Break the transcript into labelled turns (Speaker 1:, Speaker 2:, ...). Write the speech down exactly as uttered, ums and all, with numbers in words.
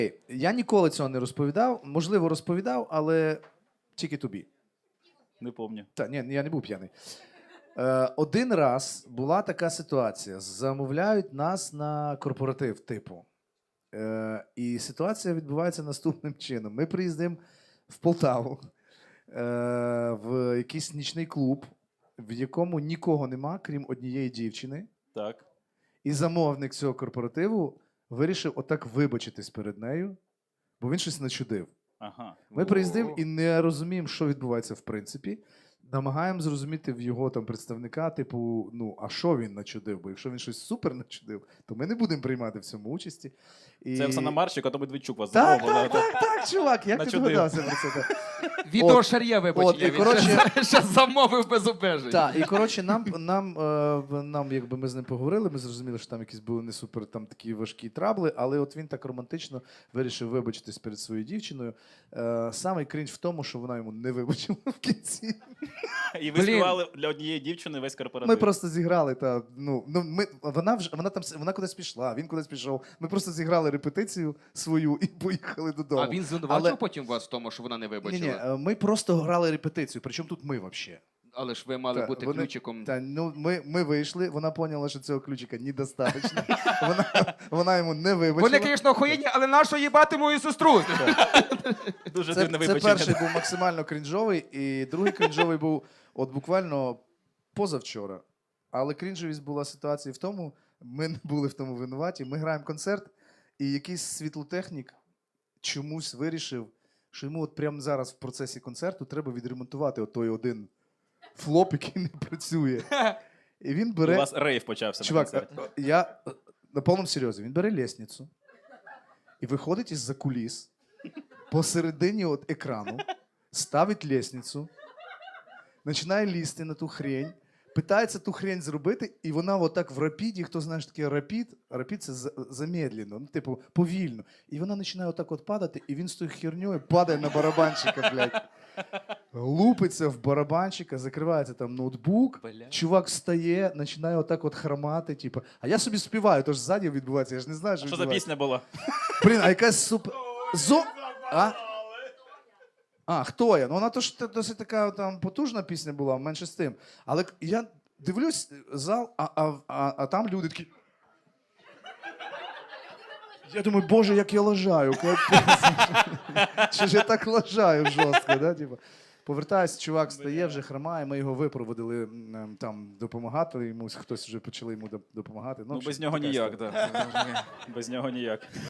Speaker 1: Я ніколи цього не розповідав. Можливо, розповідав, але тільки тобі.
Speaker 2: Не помню.
Speaker 1: Та, ні, я не був п'яний. Е, один раз була така ситуація. Замовляють нас на корпоратив типу. Е, і ситуація відбувається наступним чином. Ми приїздимо в Полтаву, е, в якийсь нічний клуб, в якому нікого нема, крім однієї дівчини.
Speaker 2: Так.
Speaker 1: І замовник цього корпоративу вирішив отак вибачитись перед нею, бо він щось начудив.
Speaker 2: Ага.
Speaker 1: Ми приїздимо і не розуміємо, що відбувається в принципі. Намагаємо зрозуміти в його там представника, типу, ну, а що він начудив? Бо якщо він щось супер начудив, то ми не будемо приймати в цьому участі. І...
Speaker 2: Це Оксана Марчик, а то Медведчук вас
Speaker 1: Так,
Speaker 2: замовила.
Speaker 1: так, так, так, чувак, як ти
Speaker 2: Начудив.
Speaker 1: догадався про це? Так.
Speaker 3: Відео
Speaker 1: От,
Speaker 3: Шар'є
Speaker 1: от,
Speaker 3: вибачення,
Speaker 1: і,
Speaker 3: він
Speaker 1: коротше-
Speaker 3: ще, ще замовив без обмежень.
Speaker 1: Так, і коротше, нам, нам, е, нам, якби ми з ним поговорили, ми зрозуміли, що там якісь були не супер там такі важкі трабли, але от він так романтично вирішив вибачитись перед своєю дівчиною. Е, самий крінж в тому, що вона йому не вибачила в кінці.
Speaker 2: І ви
Speaker 3: Блін.
Speaker 2: співали для однієї дівчини весь корпоратив.
Speaker 1: Ми просто зіграли та ну, ну ми вона вже вона там вона кудись пішла, він кудись пішов. Ми просто зіграли репетицію свою і поїхали додому.
Speaker 3: А він звинувачив
Speaker 1: Але-
Speaker 3: потім вас в тому, що вона не
Speaker 1: Ні,
Speaker 3: вибачила?
Speaker 1: ні, е, ми просто грали репетицію. Причому тут ми взагалі.
Speaker 3: Але ж ви мали
Speaker 1: Та,
Speaker 3: бути
Speaker 1: вони-
Speaker 3: ключиком.
Speaker 1: Та ну ми, ми вийшли. Вона поняла, що цього ключика недостатньо. Вона вона йому не вибачила.
Speaker 3: Вони, звісно, охуєнні, але нащо їбати мою сестру?
Speaker 2: Дуже
Speaker 1: Це,
Speaker 2: дивне
Speaker 1: це
Speaker 2: вибачення.
Speaker 1: перший був максимально крінжовий, і другий крінжовий був от буквально позавчора. Але крінжовість була ситуація в тому, ми не були в тому винуваті. Ми граємо концерт, і якийсь світлотехнік чомусь вирішив, що йому от прямо зараз в процесі концерту треба відремонтувати от той один флоп, який не працює. І він
Speaker 2: У
Speaker 1: бере.
Speaker 2: вас рейв почався
Speaker 1: Чувак,
Speaker 2: на концерті.
Speaker 1: е, е, я е, на повному серйозі. Він бере лестницю і виходить із-за куліс посередині от екрану, ставить лестницю, починає лізти на ту хрень, питається ту хрень зробити, і вона отак в рапіді, хто знає, що таке рапід, рапід це за- замедлено, ну, типу, повільно. І вона починає отак от падати, і він з тою херньою падає на барабанщика, блядь. Лупиться в барабанщика, закривається там ноутбук,
Speaker 3: Бля.
Speaker 1: чувак встає, починає отак от хромати, типу. А я собі співаю, тож ззаді відбувається, я ж не знаю, що
Speaker 2: Що за
Speaker 1: відбувається.
Speaker 2: пісня була?
Speaker 1: Блін, а якась супер... Зо... А? А, хто я? Ну вона то ж та- досить така там потужна пісня була, менше з тим. Але к- я дивлюсь зал, а, а, а, а там люди такі. Я думаю, боже, як я лажаю. капець. Чи ж я так лажаю жорстко, да? Типу. Повертаюсь, чувак стає, вже хромає, ми його випроводили м, там допомагати йому, хтось вже почали йому доп- допомагати.
Speaker 2: Ну,
Speaker 1: в общем,
Speaker 2: без нього
Speaker 1: така
Speaker 2: ніяк,
Speaker 1: історія.
Speaker 2: так. Без нього ніяк.